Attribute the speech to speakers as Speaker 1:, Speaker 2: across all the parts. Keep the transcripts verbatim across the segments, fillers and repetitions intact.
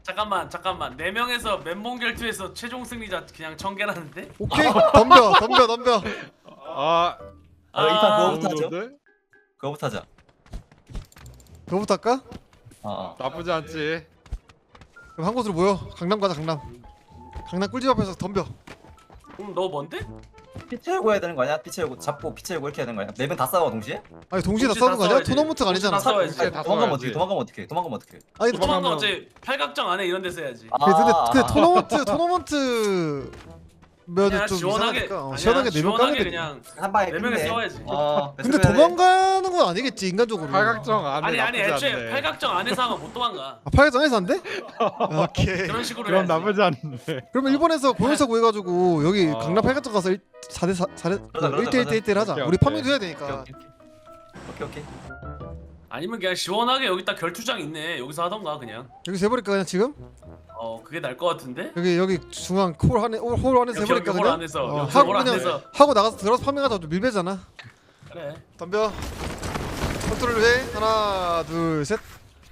Speaker 1: 잠깐만 잠깐만 네 명에서 맨몸 결투에서 최종 승리자 그냥 청개라는데?
Speaker 2: 오케이 덤벼 덤벼 덤벼.
Speaker 3: 아,
Speaker 4: 아, 이판
Speaker 1: 아,
Speaker 4: 그거부터 하죠.
Speaker 3: 좋은데?
Speaker 4: 그거부터 하자.
Speaker 2: 그거부터 할까?
Speaker 4: 어, 어.
Speaker 3: 나쁘지 않지.
Speaker 2: 그럼 한 곳으로 모여. 강남 가자 강남. 강남 꿀집 앞에서 덤벼.
Speaker 1: 응, 너 뭔데?
Speaker 4: 피 채우고 해야 되는 거 아니야? 피 채우고 잡고 피 채우고 이렇게 해야 되는 거 아니야? 네 명 다 싸워 동시에?
Speaker 2: 아니 동시에 다
Speaker 1: 동시에
Speaker 2: 싸우는
Speaker 1: 다
Speaker 2: 거 아니야?
Speaker 1: 싸워야지.
Speaker 2: 토너먼트가 아니잖아.
Speaker 1: 동시에 다 싸워야지.
Speaker 3: 동시에 다
Speaker 4: 도망가면
Speaker 3: 싸워야지.
Speaker 4: 어떻게? 도망가면 어떻게? 도망가면 어떻게?
Speaker 2: 아니
Speaker 1: 도망가
Speaker 3: 도망가면-
Speaker 1: 어차피 팔각정 안에 이런 데서 해야지.
Speaker 4: 아,
Speaker 2: 근데 근데
Speaker 4: 아,
Speaker 2: 토너먼트 토너먼트 면은
Speaker 1: 그냥
Speaker 2: 좀
Speaker 1: 시원하게
Speaker 2: 이상하니까 어,
Speaker 1: 아니야,
Speaker 2: 시원하게 네명 까는
Speaker 1: 시원하게
Speaker 2: 게.
Speaker 1: 그냥
Speaker 4: 한 방에
Speaker 1: 네 명이
Speaker 4: 끝내.
Speaker 1: 싸워야지.
Speaker 4: 어,
Speaker 2: 근데 도망가는 건 아니겠지 인간적으로.
Speaker 3: 팔각정 안에
Speaker 1: 아니 아니
Speaker 3: 나쁘지
Speaker 1: 애초에
Speaker 3: 않네.
Speaker 1: 팔각정 안에서 하면 못 도망가.
Speaker 2: 아 팔각정에서 안 돼? 오케이.
Speaker 1: 그런 식으로
Speaker 3: 그럼
Speaker 1: 해야지.
Speaker 3: 나쁘지 않네.
Speaker 2: 그러면 일본에서 공연사 구해가지고 여기
Speaker 3: 아.
Speaker 2: 강남 팔각정 가서 사 대 사 대
Speaker 4: 그러자, 그러자,
Speaker 2: 일 대 일 대 일 대 일 하자.
Speaker 3: 오케이,
Speaker 2: 우리
Speaker 3: 오케이.
Speaker 2: 파밍도 해야
Speaker 4: 오케이,
Speaker 2: 되니까.
Speaker 4: 오케이. 오케이 오케이.
Speaker 1: 아니면 그냥 시원하게 여기 딱 결투장 있네. 여기서 하던가 그냥.
Speaker 2: 여기서 해버릴까 그냥 지금?
Speaker 1: 어 그게 날 것 같은데?
Speaker 2: 여기 여기 중앙 콜 안에 홀, 홀 안에서
Speaker 1: 여기,
Speaker 2: 해버릴까
Speaker 1: 여기 홀
Speaker 2: 그냥?
Speaker 1: 안에서,
Speaker 2: 어,
Speaker 1: 여기
Speaker 2: 하고
Speaker 1: 홀
Speaker 2: 그냥
Speaker 1: 안에서.
Speaker 2: 하고 나가서 들어서 파밍하자. 좀 밀배잖아.
Speaker 1: 그래.
Speaker 2: 덤벼. 컨트롤 해. 하나 둘 셋.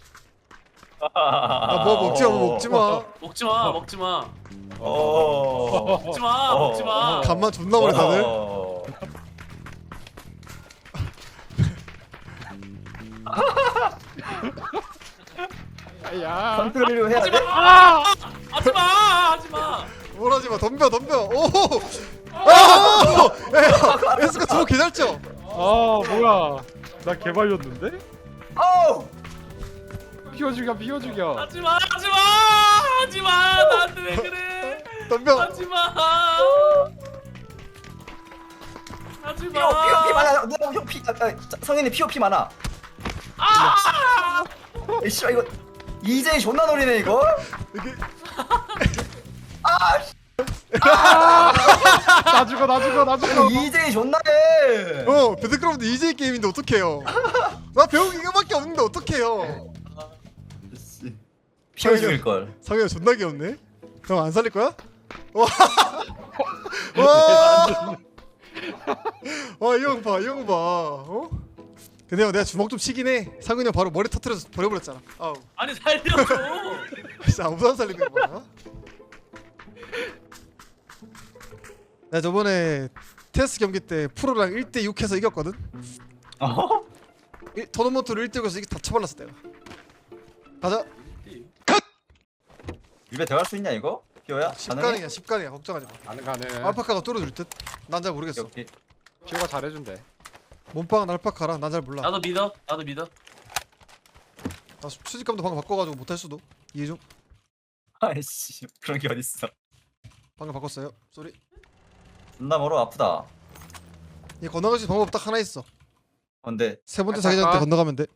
Speaker 2: 아뭐 먹지 마 뭐 먹지 마.
Speaker 1: 먹지 마 먹지 마
Speaker 4: 어.
Speaker 1: 먹지 마
Speaker 4: 어.
Speaker 1: 먹지 마.
Speaker 2: 간만 존나 오래 다들.
Speaker 4: 어.
Speaker 3: 야.
Speaker 4: 컨트롤을 해야 돼.
Speaker 1: 하지 마 하지 마.
Speaker 2: 뭘 하지 마. 덤벼 덤벼. 오. 아! 야, 에스카 저거 개잘죠?
Speaker 3: 아, 뭐야? 나 개발렸는데?
Speaker 4: 아우.
Speaker 3: 피워 죽여, 피워 죽여.
Speaker 1: 하지 마 하지 마 하지 마 나한테 왜 그래?
Speaker 2: 덤벼.
Speaker 1: 하지 마. 하지
Speaker 4: 피오 피오 피
Speaker 1: 마.
Speaker 4: 많아. 누나 형 피. 아, 아, 성현이 피오 피 많아.
Speaker 1: 아!
Speaker 4: 이씨 이거 이제 존나 노리네 이거.
Speaker 2: 이게
Speaker 3: 나 죽어, 나 죽어, 나 죽어.
Speaker 4: 이제 존나해.
Speaker 2: 어 배드크라프트 이제이 게임인데 어떡해요? 나 배운 이거밖에 없는데 어떡해요?
Speaker 4: 피오 죽일 걸.
Speaker 2: 성현 존나 귀엽네. 형 안 살릴 거야? 와. 와. 와, 이 형 봐, 이 형 봐. 어? 근데 형 내가 주먹 좀 치긴 해. 상근이 형 바로 머리 터트려서 버려버렸잖아. 아우.
Speaker 1: 아니 살려줘.
Speaker 2: 진짜 아무도 안 살리는 거 봐. 나 저번에 테스트 경기 때 프로랑 일 대 육 해서 이겼거든.
Speaker 4: 어?
Speaker 2: 일, 토너먼트를 일 대 육에서 이게 다 쳐발랐어 내가. 가자.
Speaker 4: 입에 들어갈 수 있냐 이거? 피오야? 가능해?
Speaker 2: 십간이야 십간이야 걱정하지 마.
Speaker 3: 가능 가능.
Speaker 2: 알파카가 뚫어줄 듯. 난 잘 모르겠어.
Speaker 4: 오케이.
Speaker 3: 피오가 잘해준대.
Speaker 2: 몸빵은 알파카라. 난 잘 몰라.
Speaker 1: 나도 믿어 나도 믿어.
Speaker 2: 나 수직감도 방금 바꿔가지고 못할 수도. 이해 좀.
Speaker 4: 아이씨 그런 게 어딨어.
Speaker 2: 방금 바꿨어요. 쏘리.
Speaker 4: 존나 멀어 아프다.
Speaker 2: 얘 건너갈 수 있는 방법 딱 하나 있어.
Speaker 4: 근데
Speaker 2: 세 번째
Speaker 3: 알파카?
Speaker 2: 자기장 때 건너가면 돼.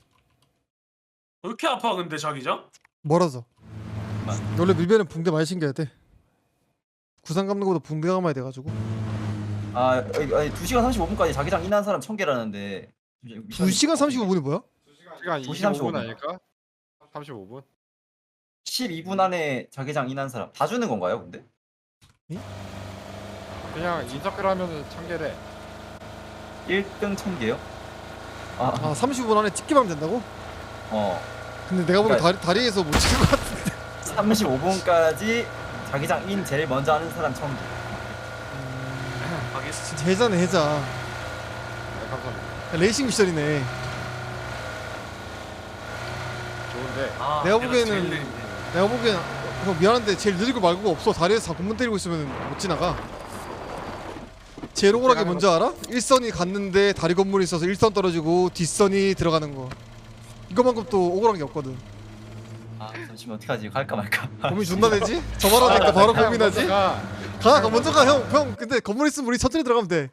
Speaker 1: 왜 이렇게 아파 근데 자기장?
Speaker 2: 멀어서. 원래 밀배는 붕대 많이 신겨야 돼. 구상 감는 것보다 붕대 감아야 돼가지고.
Speaker 4: 아 아니, 아니 두 시간 삼십오 분까지 자기장 인한 사람 천 개라는데
Speaker 2: 두 시간 삼십오 분이 뭐야?
Speaker 3: 시간
Speaker 4: 두 시
Speaker 3: 이십오
Speaker 4: 삼십오
Speaker 3: 분
Speaker 4: 분.
Speaker 3: 아닐까? 삼십오 분?
Speaker 4: 십이 분 안에 자기장 인한 사람 다 주는 건가요 근데?
Speaker 3: 그냥 인서클 하면은 천 개래.
Speaker 4: 일 등 천 개요? 아,
Speaker 2: 아 삼십오 분 안에 찍기만 하면 된다고?
Speaker 4: 어
Speaker 2: 근데 내가 보기엔
Speaker 4: 그러니까-
Speaker 2: 다리, 다리에서 못 찍을 것 같은데.
Speaker 4: 삼십오 분까지 자기장 인 제일 먼저 하는 사람 천 개.
Speaker 1: 알겠어.
Speaker 2: 진짜 해자네 해자.
Speaker 3: 네, 감사합니다.
Speaker 2: 레이싱 미션이네.
Speaker 3: 좋은데.
Speaker 1: 아,
Speaker 2: 내가
Speaker 1: 제일
Speaker 2: 보기에는-
Speaker 1: 느린데.
Speaker 2: 내가 보기엔 형 미안한데 제일 느리고 말고가 없어. 다리에서 다 공문 때리고 있으면 못 지나가. 제일 억울하게 뭔지 알아? 일선이 갔는데 다리 건물이 있어서 일선 떨어지고 뒷선이 들어가는 거. 이거만큼 또 억울한 게 없거든.
Speaker 4: 아 잠시만 어떡하지 갈까 말까.
Speaker 2: 고민 존나 되지? 저 말하니까 바로
Speaker 3: 그냥
Speaker 2: 고민하지?
Speaker 3: 먼저 가.
Speaker 2: 가, 가 먼저 가 형. 형 근데 건물 있으면 우리 천천히 들어가면 돼.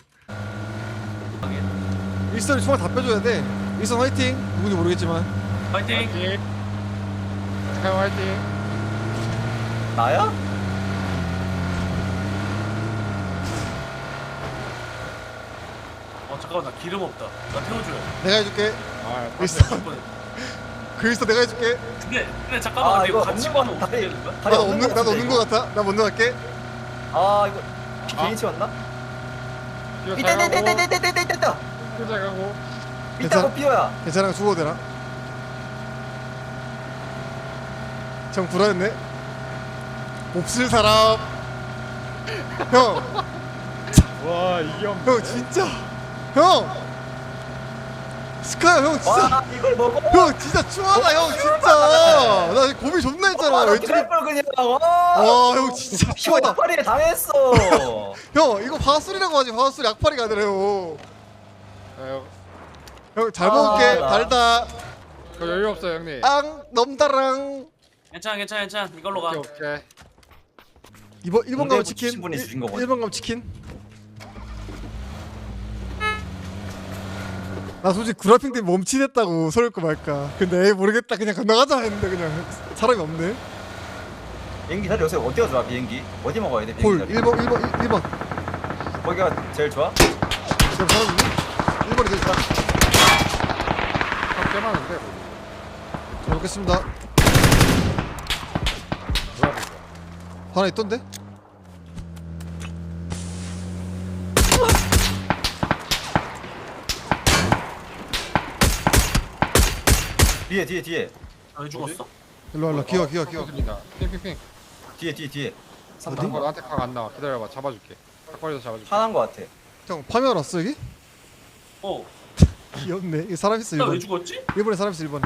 Speaker 2: 일선이 총알 다 빼줘야 돼. 일선 화이팅. 누군지 모르겠지만.
Speaker 1: 파이팅.
Speaker 3: 화이팅. 스카이 화이팅.
Speaker 4: 나야?
Speaker 1: 어 잠깐만 나 기름 없다. 나 태워줘요.
Speaker 2: 내가 해줄게.
Speaker 3: 아,
Speaker 2: 일선. 그 일선 내가 해줄게.
Speaker 1: 근데 근데 잠깐만
Speaker 4: 아,
Speaker 1: 근데
Speaker 4: 이거
Speaker 1: 같이
Speaker 4: 없는
Speaker 1: 가면
Speaker 4: 건
Speaker 1: 어떻게
Speaker 4: 다리-
Speaker 1: 되는 거야?
Speaker 4: 다리
Speaker 2: 나도
Speaker 4: 없는
Speaker 2: 없는
Speaker 4: 거
Speaker 2: 나도
Speaker 4: 같은데,
Speaker 2: 없는 거 같아. 나 먼저 갈게.
Speaker 4: 아 이거 피
Speaker 3: 아.
Speaker 4: 괜히 치웠나?
Speaker 3: 피오
Speaker 4: 이때
Speaker 3: 잘
Speaker 4: 이때 이때
Speaker 3: 가고.
Speaker 4: 이때 이때 이때 이때
Speaker 3: 피오 잘 가고.
Speaker 4: 이때고 피오야.
Speaker 2: 괜찮아 죽어도 되나? 정 불안했네. 없을 사람. 형,
Speaker 3: 와 이게 없네.
Speaker 2: 형 진짜. 형. 스카야 형 진짜.
Speaker 4: 와 이걸 먹어.
Speaker 2: 형 진짜 추하다 형 진짜. 나 고민 존나 했잖아. 왼쪽에.
Speaker 4: 왼쪽을 그냥.
Speaker 2: 와, 형 진짜 추하다.
Speaker 4: 파리에 당했어.
Speaker 2: 형 이거 화술이라고 하지. 화술 약팔이가 아니라요.
Speaker 3: 아,
Speaker 2: 형 잘
Speaker 4: 아,
Speaker 2: 먹을게.
Speaker 4: 나-
Speaker 2: 달다.
Speaker 3: 저 여유 없어요 형님.
Speaker 2: 앙 넘다랑.
Speaker 1: 괜찮아 괜찮아 괜찮아 이걸로 가.
Speaker 3: 오케이 오케이.
Speaker 2: 이번 일번 가면 치킨.
Speaker 4: 주신 분이 주신 거거든.
Speaker 2: 일 번 가면 치킨. 나 솔직히 그래픽 때문에 멈칫했다고 서울거 말까. 근데 에이 모르겠다 그냥 건너가자 했는데 그냥 사람이 없네.
Speaker 4: 비행기 자리 요새 어디가 좋아 비행기? 어디 먹어야 돼
Speaker 2: 볼
Speaker 4: 비행기 자리?
Speaker 2: 일 번 일 번 일 번.
Speaker 4: 거기가 제일 좋아?
Speaker 2: 지금 사람 있니? 일 번이 되지.
Speaker 3: 꽤 많은데.
Speaker 2: 잘 먹겠습니다.
Speaker 3: 뭐야 이거.
Speaker 2: 하나 있던데?
Speaker 4: 뒤에 뒤에 뒤에
Speaker 1: 아, 왜 죽었어?
Speaker 2: 일로 와 일로 와. 기어 기어 기어.
Speaker 3: 습니다 핑핑핑.
Speaker 4: 뒤에 뒤에 뒤에.
Speaker 2: 어디?
Speaker 3: 이거 나한테 각 안 나와. 기다려봐. 잡아줄게. 탁발에서 잡아줄게.
Speaker 4: 화난 거 같아.
Speaker 2: 형 파밍 왔어 여기?
Speaker 1: 어.
Speaker 2: 귀엽네. 이 사람 있어
Speaker 1: 나 왜
Speaker 2: 일 번.
Speaker 1: 죽었지?
Speaker 2: 일 번에 사람 있어 일 번에.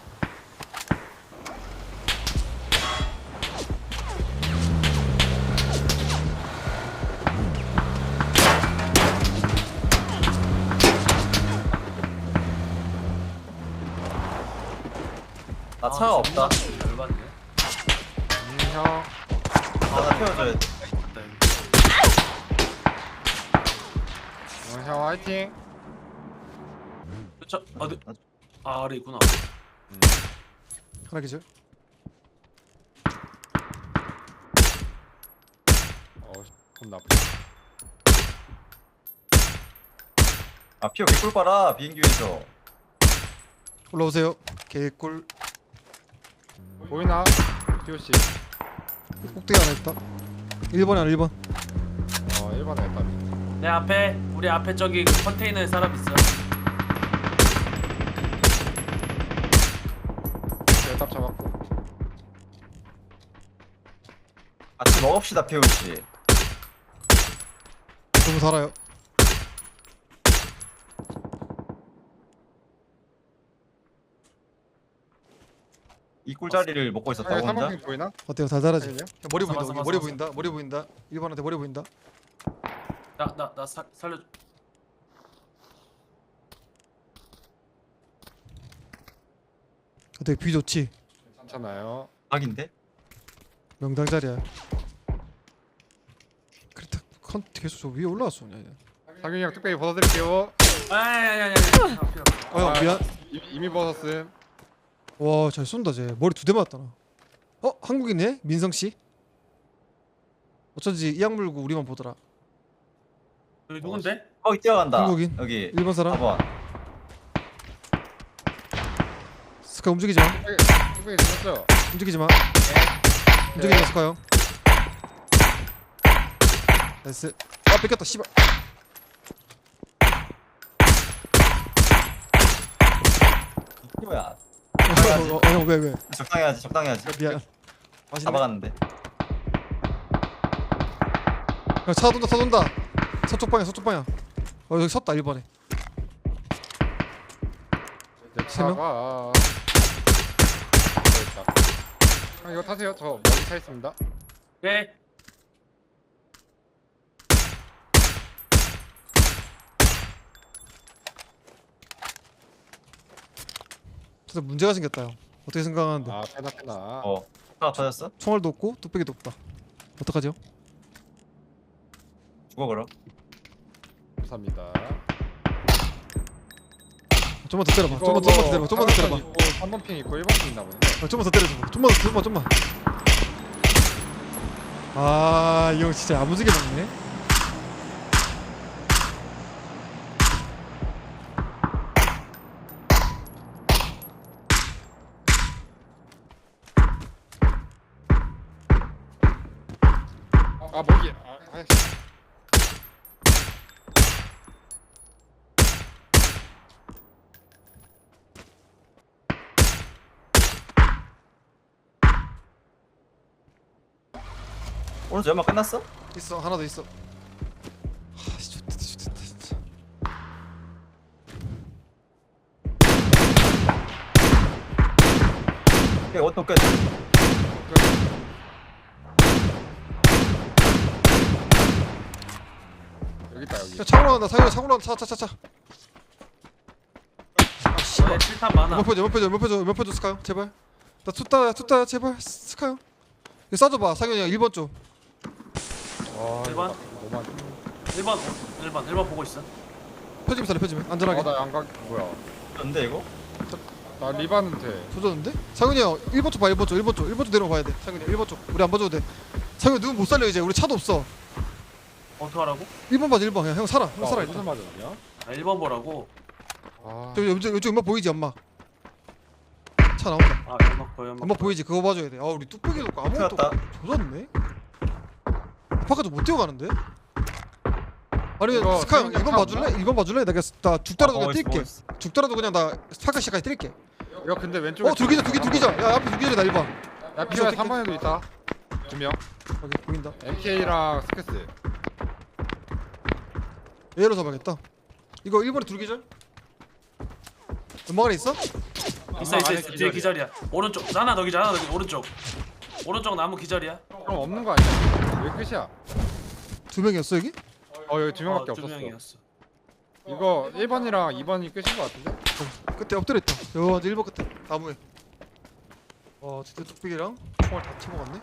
Speaker 4: 나 차가 없다.
Speaker 1: 열받네.
Speaker 3: 음, 형.
Speaker 4: 하나 태워줘야 돼.
Speaker 3: 어, 형 화이팅.
Speaker 1: 저 어디? 아 아래 있구나.
Speaker 2: 하나 기절.
Speaker 3: 어, 돈 나쁘.
Speaker 4: 아 피어 개꿀 빨아 비행기 위에서.
Speaker 2: 올라오세요. 개꿀.
Speaker 3: 보이나? 티오씨.
Speaker 2: 꼭대기 하나 있다. 일 번에 하나 일 번.
Speaker 3: 어, 일 번에 했다.
Speaker 1: 내 앞에 우리 앞에 저기 그 컨테이너에 사람 있어.
Speaker 3: 대답 잡았고.
Speaker 4: 같이 먹읍시다 피우 씨.
Speaker 2: 너무 달아요.
Speaker 4: 이 꿀자리를 먹고 있었다고
Speaker 3: 형,
Speaker 4: 혼자?
Speaker 3: 삼번핑 보이나?
Speaker 2: 어때요? 달달하지?
Speaker 3: 아니요.
Speaker 2: 야, 머리 보인다.
Speaker 1: 맞아,
Speaker 2: 여기
Speaker 1: 맞아,
Speaker 2: 머리
Speaker 1: 맞아.
Speaker 2: 보인다. 머리 보인다. 일 번한테 머리 보인다.
Speaker 1: 나 나 나 살려.
Speaker 2: 어때? 뷰 좋지?
Speaker 3: 괜찮아요.
Speaker 4: 각인데?
Speaker 2: 명당 자리야. 그렇다. 컨 계속 저 위에 올라왔어. 야, 야.
Speaker 3: 상윤이 형 특별히 벗어드릴게요.
Speaker 1: 아야야야야.
Speaker 2: 어, 형 미안.
Speaker 3: 이, 이미 벗었음.
Speaker 2: 와, 잘 쏜다 쟤. 머리 두 대 맞았다 나. 어, 한국이네? 민성 씨. 어쩐지 이악 물고 우리만 보더라.
Speaker 1: 여기 누군데?
Speaker 4: 거기 뛰어간다.
Speaker 2: 한국인.
Speaker 4: 여기
Speaker 2: 일 번 사람.
Speaker 4: 사 번.
Speaker 2: 스카 움직이지 마.
Speaker 3: 특별히 됐었죠?
Speaker 2: 움직이지 마.
Speaker 1: 네.
Speaker 2: 움직이지 마, 스카 형. 나이스. 아, 뺏겼다. 씨발.
Speaker 4: 뭐야?
Speaker 2: 어, 어, 어, 형 왜 왜?
Speaker 4: 적당히 하지 적당히 하지.
Speaker 2: 미안. 맛있네.
Speaker 4: 잡아갔는데.
Speaker 2: 야, 차 돈다 차 돈다. 서쪽 방향 서쪽 방향. 어 여기 섰다 일 번에.
Speaker 3: 내
Speaker 2: 세 명?
Speaker 3: 차가. 됐다. 형 이거 타세요. 저 멀리 차 있습니다.
Speaker 1: 네.
Speaker 2: 진짜 문제가 생겼다 형. 어떻게 생각하는데?
Speaker 3: 아 페나 페나.
Speaker 4: 어. 차가 터졌어?
Speaker 2: 총알도 없고 뚝배기도 없다. 어떡하죠?
Speaker 4: 죽어 그럼.
Speaker 3: 감사합니다.
Speaker 2: 좀만 더 때려봐. 좀만 좀만 더 때려봐. 좀만 더 때려봐.
Speaker 3: 삼 번 핑 있고 일 번 핑 있나 보네.
Speaker 2: 어, 좀만 더 때려줘. 좀만 더 좀만 좀만. 아, 이 형 진짜 야무지게 먹네.
Speaker 3: 아 목이. 아, 아이씨.
Speaker 4: 오른쪽 연막 끝났어?
Speaker 2: 있어 하나 더 있어. 아씨 좋다 좋다 진짜.
Speaker 4: 오케이 오토 끝.
Speaker 3: 여기 있다 여기.
Speaker 2: 야 차고 나간다. 사유야 차고 나간다. 차차차차. 아 씨발.
Speaker 1: 너의 칠탄 많아.
Speaker 2: 몇 표죠 몇 표죠 몇 표죠 몇 표죠 스카요 제발. 나 투따 투따 제발 스카요. 이거 쏴줘봐 상현이 형 일 번 쪽.
Speaker 3: 와,
Speaker 1: 일 번?
Speaker 3: 이거 너무 안 좋네.
Speaker 1: 일 번 일 번 일 번 보고 있어.
Speaker 2: 펴지면 살려 펴지면 안전하게.
Speaker 3: 아, 나 양각 뭐야?
Speaker 4: 근데 이거?
Speaker 3: 나 리바는 돼.
Speaker 2: 조졌는데? 상현이 형 일 번 쪽 봐 일 번 쪽 일 번 쪽 일 번 쪽 내려와 봐야 돼. 상현이 일 번 쪽 우리 안 봐줘도 돼. 상현이 누군 못 살려 이제 우리 차도 없어.
Speaker 1: 어떡하라고?
Speaker 2: 일 번 봐줘 일 번. 야, 형 살아 형
Speaker 3: 아,
Speaker 2: 살아
Speaker 3: 어디서
Speaker 2: 일단.
Speaker 3: 맞았냐?
Speaker 1: 아, 일 번 보라고.
Speaker 3: 아,
Speaker 2: 저기 이쪽 이쪽 연막 보이지 연막. 차 나온다.
Speaker 1: 아 연막 보여 연막.
Speaker 2: 연막 보이지 그거 봐줘야 돼. 아 우리 뚝배기도 없고 아무것도
Speaker 4: 튀었다.
Speaker 2: 없고 조졌네. 아파가지고 못 뛰어가는데? 아니면
Speaker 3: 이거
Speaker 2: 스카 형
Speaker 3: 상현이
Speaker 2: 일 번
Speaker 3: 차
Speaker 2: 봐줄래? 일 번 봐줄래? 나 그냥 나 죽더라도 그냥
Speaker 4: 어, 있어,
Speaker 2: 뛸게.
Speaker 4: 있어.
Speaker 2: 죽더라도 그냥 나 스파카 시까지 뛸게.
Speaker 3: 이거 근데 왼쪽에.
Speaker 2: 어 둘기자 둘기 둘기자. 야 앞에 둘기자 나 일 번.
Speaker 3: 야, 피오에 삼 번에도 있다. 두 명.
Speaker 2: 오케이 보인다.
Speaker 3: 엠케이랑 스크스.
Speaker 2: 얘로 잡아야겠다. 이거 일 번에 둘기자. 연막 안에 있어?
Speaker 1: 있어 있어 있어. 뒤에 기절이야. 오른쪽 하나 더 기절 하나 더 기절 오른쪽. 오른쪽 나무 기절이야.
Speaker 3: 그럼 없는 거 아니야? 여기 끝이야.
Speaker 2: 두 명이었어 여기?
Speaker 3: 어, 여기 두 명밖에
Speaker 1: 어, 두
Speaker 3: 없었어.
Speaker 1: 명이었어.
Speaker 3: 이거 일 번이랑 이 번이 끝인 거 같은데?
Speaker 2: 어, 끝에 엎드려 있다. 여 일 번 끝에 나무에. 와 진짜 뚝배기랑 총알 다 쳐먹었네.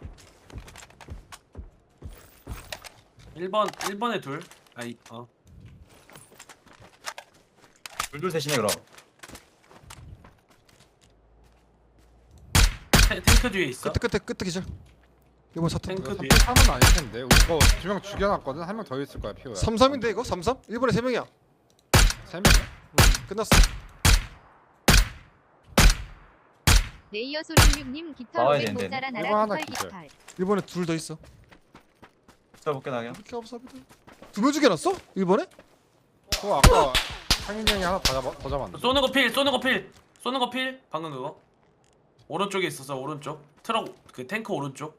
Speaker 1: 일 번 일 번에 둘. 아이 어.
Speaker 4: 둘둘 셋이네 그럼.
Speaker 1: 탱- 탱크 뒤에 있어.
Speaker 2: 끝에 끝에 끝에 기절. 이번 사탄.
Speaker 1: 탱크
Speaker 3: 이거
Speaker 1: 뒤에.
Speaker 3: 삼 은 아닐 텐데. 이거 두 명 죽여놨거든. 한 명 더 있을 거야 피오야.
Speaker 2: 삼삼인데 이거 삼삼? 일 번에 세 명이야.
Speaker 3: 세 명이야?
Speaker 2: 음, 끝났어.
Speaker 5: 레이어 소림육님 깃털
Speaker 4: 나와야
Speaker 5: 오백
Speaker 4: 되는데.
Speaker 5: 모짜라
Speaker 3: 이거
Speaker 5: 나라
Speaker 3: 하나
Speaker 5: 깃털
Speaker 3: 기절.
Speaker 5: 깃털.
Speaker 2: 일 번에 둘 더 있어.
Speaker 4: 자 볼게 나경.
Speaker 2: 이렇게 감사합니다. 두명 죽여놨어? 일 번에?
Speaker 3: 그거 아까 상윤이 형이 하나 더 잡아 더 잡았는데.
Speaker 1: 쏘는 거 필, 쏘는 거 필, 쏘는 거 필. 방금 그거. 오른쪽에 있어서 오른쪽. 트럭 그 탱크 오른쪽.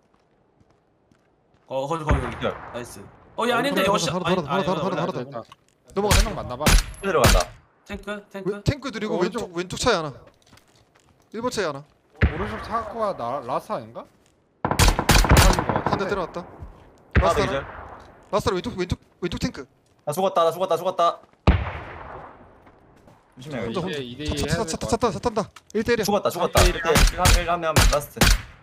Speaker 1: 어 거기 거기 거기.
Speaker 4: 기절.
Speaker 1: 나이스. 어얘 아닌데
Speaker 2: 하나,
Speaker 1: 여시.
Speaker 2: 하나,
Speaker 1: 아니,
Speaker 2: 하나, 하나,
Speaker 1: 아니,
Speaker 2: 하나,
Speaker 1: 원래
Speaker 2: 하나,
Speaker 1: 안 돼.
Speaker 3: 일단
Speaker 2: 넘어가.
Speaker 3: 세명 맞나봐.
Speaker 4: 들어간다.
Speaker 1: 탱크 탱크.
Speaker 2: 왜, 탱크 드리고
Speaker 3: 어,
Speaker 2: 왼쪽
Speaker 3: 왼쪽.
Speaker 2: 왼쪽 차에 하나. 일 번 차에 하나.
Speaker 3: 오른쪽 차고가 나 라사인가? 라사인 거
Speaker 2: 한 대
Speaker 3: 같은데.
Speaker 2: 때려놨다.
Speaker 4: 하나
Speaker 2: 라스트
Speaker 4: 더
Speaker 2: 하나.
Speaker 4: 기절.
Speaker 2: 라스트 왼쪽 왼쪽 왼쪽 탱크.
Speaker 4: 나 죽었다 나 죽었다 죽었다. 조심해.
Speaker 2: 혼자
Speaker 3: 이제
Speaker 2: 혼자.
Speaker 3: 이 대 이 해야
Speaker 2: 차차
Speaker 3: 될
Speaker 2: 차
Speaker 3: 것
Speaker 2: 차 탄다 차 탄다. 일 대 일이야.
Speaker 4: 죽었다 죽었다.
Speaker 3: 아,
Speaker 4: 일대 일 한명 라스트.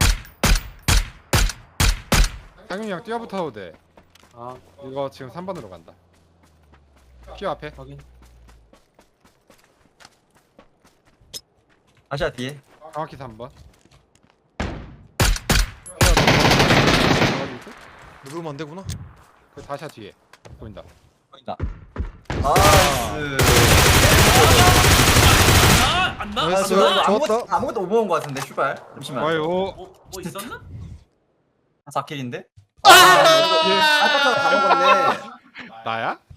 Speaker 3: 상윤이 형 뛰어붙어도 돼.
Speaker 1: 아
Speaker 3: 이거 지금 삼 번으로 간다. 피오 앞에.
Speaker 1: 확인.
Speaker 4: 아시아 뒤에.
Speaker 3: 정확히 삼 번.
Speaker 2: 누르면 안 되구나.
Speaker 3: 그 다시야 뒤에 보인다.
Speaker 4: 보인다. 나이스.
Speaker 1: 아안 나?
Speaker 2: 나이스.
Speaker 1: 안 나?
Speaker 2: 좋았다.
Speaker 4: 아무것도 아무것도 못 먹은 거 같은데 슈발. 잠시만.
Speaker 3: 아유.
Speaker 1: 뭐, 뭐 있었나?
Speaker 4: 사 킬인데?
Speaker 2: 아!
Speaker 4: 아! 아까처럼 다 먹었네.
Speaker 3: 나야?